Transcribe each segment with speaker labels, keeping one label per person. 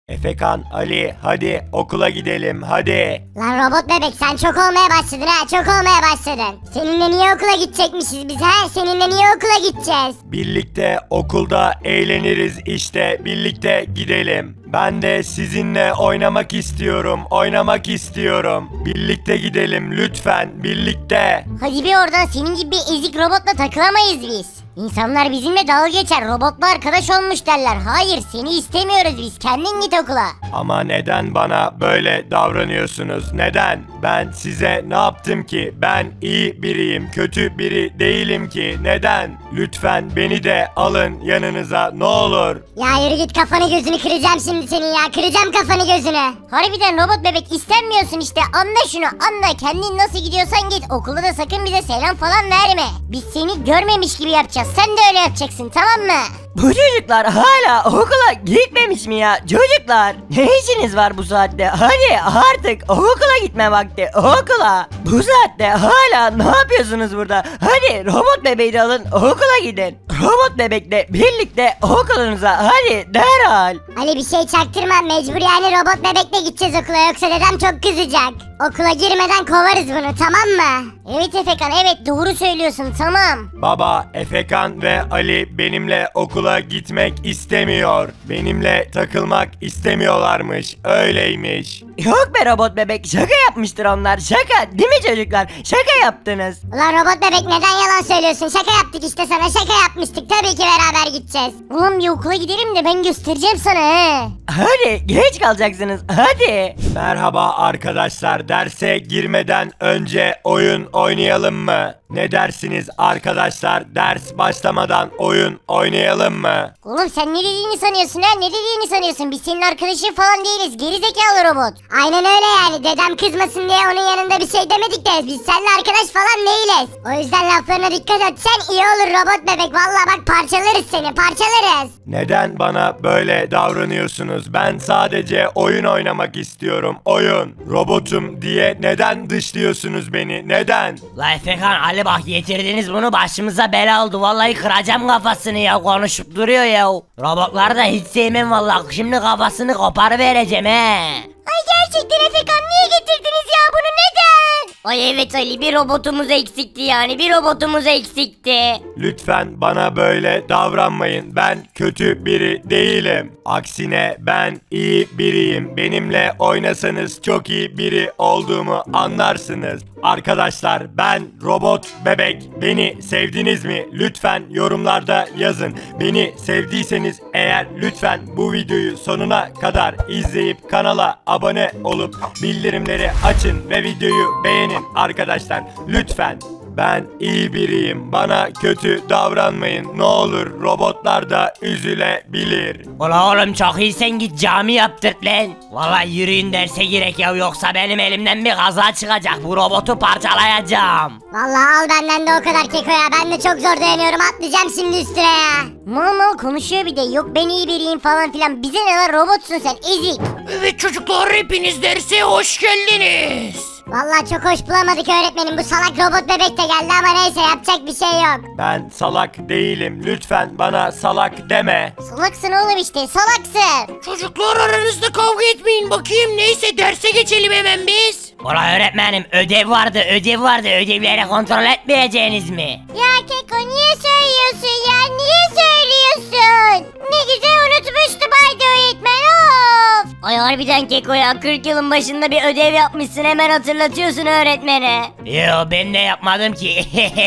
Speaker 1: Efekan, Ali, hadi okula gidelim hadi.
Speaker 2: Lan robot bebek sen çok olmaya başladın ha, çok olmaya başladın. Seninle niye okula gidecekmişiz biz ha? Seninle niye okula gideceğiz?
Speaker 1: Birlikte okulda eğleniriz işte, birlikte gidelim. Ben de sizinle oynamak istiyorum, oynamak istiyorum. Birlikte gidelim lütfen, birlikte.
Speaker 2: Hadi bir oradan, senin gibi bir ezik robotla takılamayız biz. İnsanlar bizimle dalga geçer, robotla arkadaş olmuş derler. Hayır, seni istemiyoruz biz, kendin git okula.
Speaker 1: Ama neden bana böyle davranıyorsunuz? Neden? Ben size ne yaptım ki? Ben iyi biriyim, kötü biri değilim ki. Neden? Lütfen beni de alın yanınıza, ne olur.
Speaker 2: Ya yürü git, kafanı gözünü kıracağım şimdi senin ya, kıracağım kafanı gözünü. Harbiden robot bebek istenmiyorsun işte, anla şunu anla, kendin nasıl gidiyorsan git, okulda da sakın bize selam falan verme. Biz seni görmemiş gibi yapacağız, sen de öyle yapacaksın, tamam mı?
Speaker 3: Bu çocuklar hala okula gitmemiş mi ya? Çocuklar ne işiniz var bu saatte? Hadi artık okula gitme vakti, okula. Bu saatte hala ne yapıyorsunuz burada? Hadi robot bebeği de alın, okula gidin. Robot bebekle birlikte okulunuza hadi derhal.
Speaker 2: Ali bir şey çaktırma, mecbur yani robot bebekle gideceğiz okula, yoksa dedem çok kızacak. Okula girmeden kovarız bunu, tamam mı? Evet Efekan, evet doğru söylüyorsun, tamam.
Speaker 1: Baba, Efekan ve Ali benimle okula gitmek istemiyor. Benimle takılmak istemiyorlarmış, öyleymiş.
Speaker 3: Yok be robot bebek, şaka yapmıştır onlar, şaka değil mi çocuklar? Şaka yaptınız.
Speaker 2: Ulan robot bebek neden yalan söylüyorsun? Şaka yaptık işte sana, şaka yapmıştık. Tabii ki beraber gideceğiz. Ulan bir okula gidelim de ben göstereceğim sana he.
Speaker 3: Hadi geç kalacaksınız, hadi.
Speaker 1: Merhaba arkadaşlar, derse girmeden önce oyun oynayalım mı? Ne dersiniz arkadaşlar, ders başlamadan oyun oynayalım mı?
Speaker 2: Oğlum sen ne dediğini sanıyorsun ha? Ne dediğini sanıyorsun? Biz senin arkadaşın falan değiliz. Gerizekalı robot. Aynen öyle yani. Dedem kızmasın diye onun yanında bir şey demedik de biz seninle arkadaş falan değiliz. O yüzden laflarına dikkat etsen iyi olur robot bebek. Vallahi bak parçalarız seni, parçalarız.
Speaker 1: Neden bana böyle davranıyorsunuz? Ben sadece oyun oynamak istiyorum, oyun. Robotum diye neden dışlıyorsunuz beni? Neden?
Speaker 3: La Efekan, Ali bak getirdiniz bunu başımıza bela oldu. Vallahi kıracağım kafasını ya, konuşup duruyor ya. Robotları da hiç sevmem vallahi. Şimdi kafasını koparıvereceğim he.
Speaker 2: Ay gerçekten Efekan, niye getirdiniz ya bunu, neden? Ay evet Ali, bir robotumuz eksikti yani, bir robotumuz eksikti.
Speaker 1: Lütfen bana böyle davranmayın. Ben kötü biri değilim. Aksine ben iyi biriyim. Benimle oynasanız çok iyi biri olduğumu anlarsınız. Arkadaşlar, ben robot bebek. Beni sevdiniz mi? Lütfen yorumlarda yazın. Beni sevdiyseniz eğer lütfen bu videoyu sonuna kadar izleyip kanala abone olup bildirimleri açın ve videoyu beğenin arkadaşlar. Lütfen. Ben iyi biriyim. Bana kötü davranmayın. Ne olur, robotlar da üzülebilir.
Speaker 3: Ula oğlum çok iyi, sen git cami yaptırt lan. Vallahi yürüyün derse girek ya, yoksa benim elimden bir kaza çıkacak, bu robotu parçalayacağım.
Speaker 2: Vallahi al benden de o kadar keko ya, ben de çok zor dayanıyorum, atlayacağım şimdi üstüne ya. Mal mal konuşuyor bir de, yok ben iyi biriyim falan filan, bize ne lan, robotsun sen ezik.
Speaker 4: Evet çocuklar, hepiniz derse hoş geldiniz.
Speaker 2: Vallahi çok hoş bulamadık öğretmenim, bu salak robot bebek de geldi ama neyse, yapacak bir şey yok.
Speaker 1: Ben salak değilim. Lütfen bana salak deme.
Speaker 2: Salaksın oğlum işte, salaksın.
Speaker 4: Çocuklar aranızda kavga etmeyin bakayım. Neyse derse geçelim hemen biz.
Speaker 3: Ula öğretmenim, ödev vardı, ödevleri kontrol etmeyeceğiniz mi?
Speaker 2: Ya Keko niye söylüyorsun ya, niye söylüyorsun? Ne güzel unutmuştum haydi öğretmen, of. Ay harbiden Keko ya, 40 yılın başında bir ödev yapmışsın, hemen hatırlatıyorsun öğretmene.
Speaker 3: Yo ben de yapmadım ki.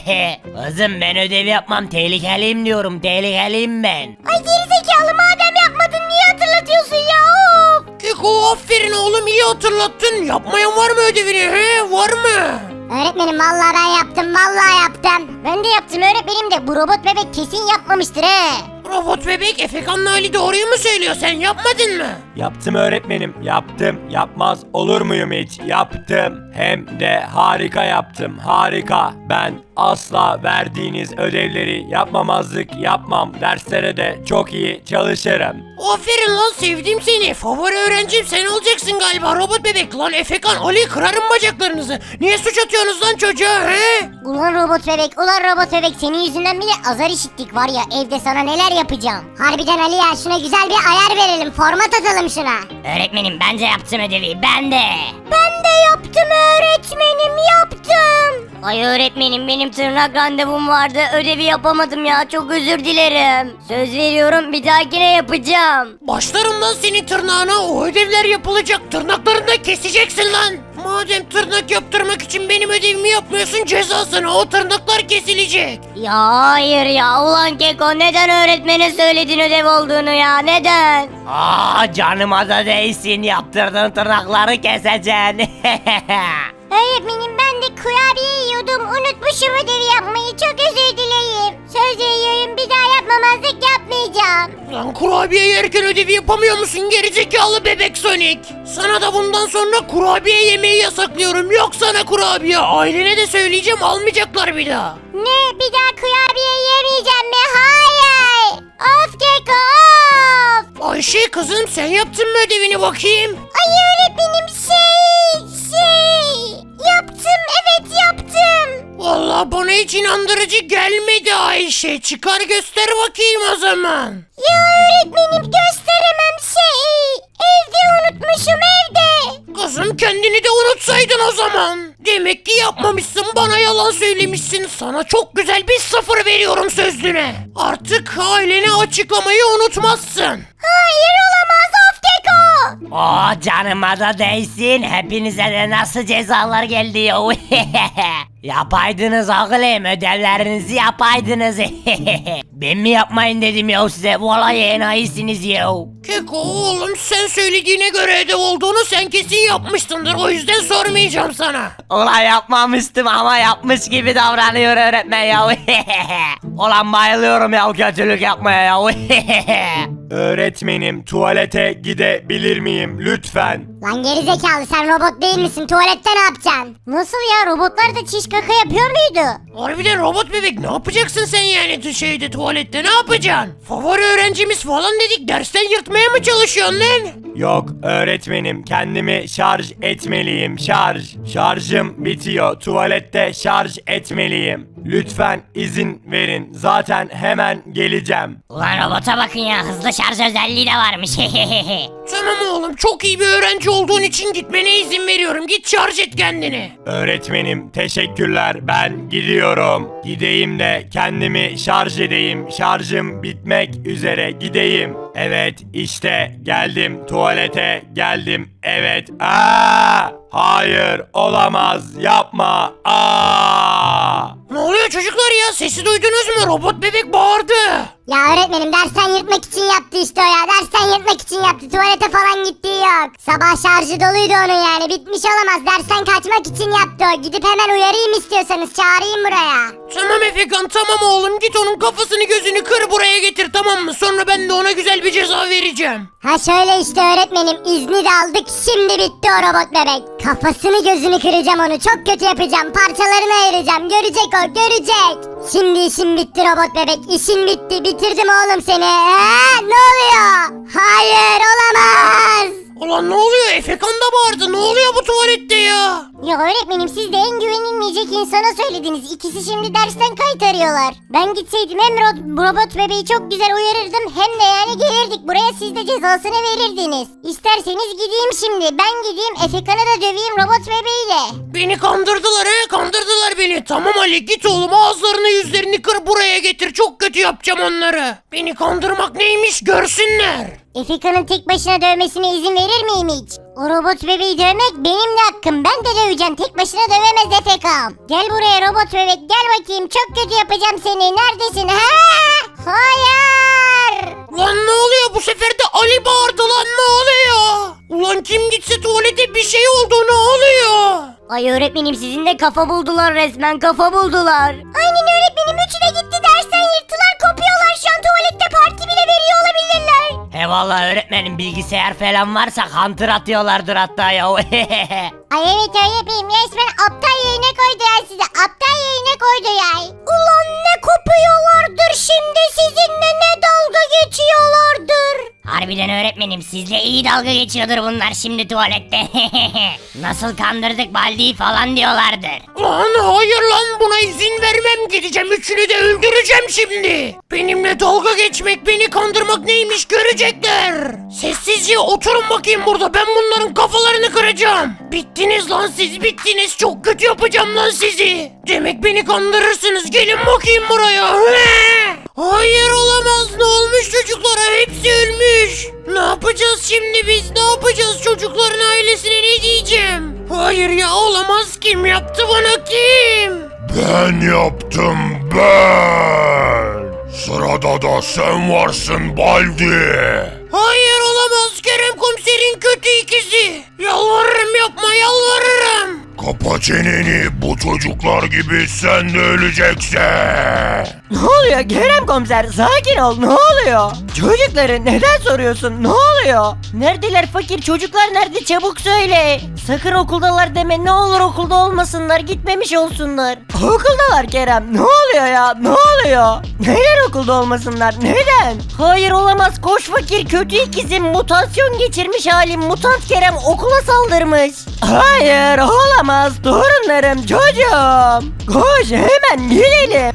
Speaker 3: Kızım ben ödev yapmam, tehlikeliyim diyorum, tehlikeliyim ben.
Speaker 2: Ay gerizekalı, madem yapmadın niye hatırlatıyorsun ya, of.
Speaker 4: Keko aferin oğlum, iyi hatırlattın. Yapmayan var mı ödevini he, var mı?
Speaker 2: Öğretmenim vallahi ben yaptım, vallahi yaptım. Ben de yaptım öğretmenim de, bu robot bebek kesin yapmamıştır he.
Speaker 4: Robot bebek, Efekan'la Ali doğruyu mu söylüyor, sen yapmadın mı?
Speaker 1: Yaptım öğretmenim, yaptım. Yapmaz olur muyum hiç? Yaptım. Hem de harika yaptım, harika. Ben asla verdiğiniz ödevleri yapmamazlık yapmam. Derslere de çok iyi çalışırım.
Speaker 4: Aferin lan, sevdim seni. Favori öğrencim sen olacaksın galiba robot bebek. Lan Efekan, Ali, kırarım bacaklarınızı. Niye suç atıyorsunuz lan çocuğa he?
Speaker 2: Ulan robot bebek, ulan robot bebek, senin yüzünden bile azar işittik var ya, evde sana neler yapacağım. Harbiden Ali ya, şuna güzel bir ayar verelim, format atalım şuna.
Speaker 3: Öğretmenim bence yaptım ödevi, ben de.
Speaker 2: Ben de yaptım öğretmenim, yaptım.
Speaker 3: Ay öğretmenim, benim tırnak randevum vardı, ödevi yapamadım ya, çok özür dilerim. Söz veriyorum, bir dahakine yapacağım.
Speaker 4: Başlarım lan senin tırnağına, o ödevler yapılacak. Tırnaklarını da keseceksin lan. Madem tırnak yaptırmak için benim ödevimi yapmıyorsun, cezasına o tırnaklar kesilecek.
Speaker 3: Ya hayır ya, ulan Keko, neden öğretmene söyledin ödev olduğunu ya, neden? Aa, canıma da değsin, yaptırdığın tırnakları keseceksin.
Speaker 2: Öğretmenim, ben de kurabiye yiyordum, unutmuşum ödevi yapmayı, çok özür dileyim. Söz veriyorum, bir daha yapmamazlık yapmayacağım.
Speaker 4: Lan kurabiye yerken ödevi yapamıyor musun gerizekalı bebek Sonic? Sana da bundan sonra kurabiye yemeyi yasaklıyorum. Yok sana kurabiye. Ailene de söyleyeceğim, almayacaklar bir daha.
Speaker 2: Ne, bir daha kurabiye yemeyeceğim mi? Hayır. Of Keko, of.
Speaker 4: Ayşe kızım, sen yaptın mı ödevini bakayım?
Speaker 2: Ay öğretmenim, yaptım, evet yaptım.
Speaker 4: Vallahi bana hiç inandırıcı gelmedi Ayşe. Çıkar göster bakayım o zaman.
Speaker 2: Ya öğretmenim, gösteremem, evde unutmuşum, evde.
Speaker 4: Kızım, kendini de unutsaydın o zaman. Demek ki yapmamışsın, bana yalan söylemişsin. Sana çok güzel bir 0 veriyorum sözlüğüne. Artık ailene açıklamayı unutmazsın.
Speaker 2: Hayır, olamaz, of Keko.
Speaker 3: Oh, canıma da değsin, hepinize de nasıl cezalar geldi ya. Yapaydınız oğlum, ödevlerinizi yapaydınız. Ben mi yapmayın dedim ya size, vallahi enayisiniz ya.
Speaker 4: Keko oğlum, sen söylediğine göre ödev olduğunu sen kesin yapmışsındır. O yüzden sormayacağım sana.
Speaker 3: Ulan yapmamıştım ama yapmış gibi davranıyor öğretmen ya. Ulan bayılıyorum ya kötülük yapmaya ya.
Speaker 1: Öğretmenim, tuvalete gidebilir miyim lütfen?
Speaker 2: Lan gerizekalı, sen robot değil misin? Tuvalette ne yapacaksın? Nasıl ya, robotlar da çiş kaka yapıyor muydu?
Speaker 4: Harbiden robot bebek, ne yapacaksın sen yani şeyde, tuvalette ne yapacaksın? Favori öğrencimiz falan dedik, dersten yırtmaya mı çalışıyorsun lan?
Speaker 1: Yok öğretmenim, kendimi şarj etmeliyim, şarj. Şarjım bitiyor, tuvalette şarj etmeliyim. Lütfen izin verin, zaten hemen geleceğim.
Speaker 3: Ulan robota bakın ya, hızlı şarj özelliği de varmış.
Speaker 4: Tamam oğlum, çok iyi bir öğrenci olduğun için gitmene izin veriyorum. Git şarj et kendini.
Speaker 1: Öğretmenim teşekkürler, ben gidiyorum. Gideyim de kendimi şarj edeyim, şarjım bitmek üzere, gideyim. Evet işte geldim, tuvalete geldim, evet. Hayır, olamaz, yapma.
Speaker 4: Ne oluyor çocuklar ya, sesi duydunuz mu? Robot bebek bağırdı.
Speaker 2: Ya öğretmenim, dersten yırtmak için yaptı işte o ya. Dersten yırtmak için yaptı. Tuvalete falan gittiği yok. Sabah şarjı doluydu onun yani. Bitmiş olamaz. Dersten kaçmak için yaptı o. Gidip hemen uyarayım istiyorsanız. Çağırayım buraya.
Speaker 4: Tamam Efekan, tamam oğlum, git onun kafasını gözünü kır buraya getir, tamam mı? Sonra ben de ona güzel bir ceza vereceğim.
Speaker 2: Ha şöyle işte öğretmenim. İzni de aldık. Şimdi bitti o robot bebek. Kafasını gözünü kıracağım onu. Çok kötü yapacağım. Parçalarını ayıracağım. Görecek o, görecek. Şimdi işim bitti robot bebek. İşin bitti. Bitirdim oğlum seni. Ne oluyor? Hayır, olamaz.
Speaker 4: Ulan ne oluyor? Efekan da bağırdı. Ne oluyor bu tuvalette ya?
Speaker 2: Ya öğretmenim, siz de en güvenilmeyecek insana söylediniz. İkisi şimdi dersten kayıt arıyorlar. Ben gitseydim hem robot bebeği çok güzel uyarırdım, hem de yani gelirdik buraya, siz de cezasını verirdiniz. İsterseniz gideyim şimdi. Ben gideyim Efekan'ı da döveyim robot bebeğiyle.
Speaker 4: Beni kandırdılar he, kandırdılar beni. Tamam Ali, git oğlum, ağızlarını yüzlerini kır buraya getir. Çok kötü yapacağım onları. Beni kandırmak neymiş görsünler.
Speaker 2: Efekan'ın tek başına dövmesine izin verir miyim hiç? O robot bebeği dövmek benim de hakkım. Ben de döveceğim. Tek başına dövemez Efekan. Gel buraya robot bebek, gel bakayım. Çok kötü yapacağım seni. Neredesin? Hayır.
Speaker 4: Lan ne oluyor, bu sefer de Ali bağırdı lan, ne oluyor? Ulan kim gitse tuvalete bir şey oldu, ne oluyor?
Speaker 3: Ay öğretmenim, sizin de kafa buldular, resmen kafa buldular.
Speaker 2: Aynen öğretmenim, üçü de gitti dersten yırttılar, kopuyorlar şu an, tuvalette parti bile veriyor olabilirler.
Speaker 3: vallahi öğretmenim bilgisayar falan varsa Hunter atıyorlardır hatta ya.
Speaker 2: Ay evet öğretmenim resmen aptal yerine koydu ya sizi. Aptal yerine koydu ya. Ulan ne kopuyorlardır şimdi sizinle ne dalga geçiyorlardır. Harbiden öğretmenim sizle iyi dalga geçiyordur bunlar şimdi tuvalette. Nasıl kandırdık Baldi'yi falan diyorlardır.
Speaker 4: Lan hayır lan, buna izin vermem, gideceğim üçünü de öldüreceğim şimdi. Benimle dalga geçmek, beni kandırmak neymiş görecekler. Sessizce oturun bakayım burada, ben bunların kafalarını kıracağım. Bittiniz lan siz, bittiniz, çok kötü yapacağım lan sizi. Demek beni kandırırsınız, gelin bakayım buraya. Hayır olamaz, ne olmuş çocuklara, hepsi ölmüş. Ne yapacağız şimdi biz, ne yapacağız, çocukların ailesine ne diyeceğim? Hayır ya, olamaz, kim yaptı bana, kim?
Speaker 1: Ben yaptım ben. Sırada da sen varsın Baldi.
Speaker 4: Hayır olamaz, Kerem komiserin kötü ikizi. Yalvarırım yapma, yalvarırım.
Speaker 1: Kapa çeneni, bu çocuklar gibi sen de öleceksin.
Speaker 3: Ne oluyor Kerem komiser, sakin ol, ne oluyor? Çocukları neden soruyorsun, ne oluyor? Neredeler fakir, çocuklar nerede, çabuk söyle. Sakın okuldalar deme, ne olur okulda olmasınlar, gitmemiş olsunlar. Okuldalar Kerem, ne oluyor ya, ne oluyor? Neden okulda olmasınlar, neden? Hayır olamaz, koş fakir, kötü ikizim, mutasyon geçirmiş halim, mutant Kerem okula saldırmış. Hayır olamaz torunlarım, çocuğum. Koş hemen gidelim.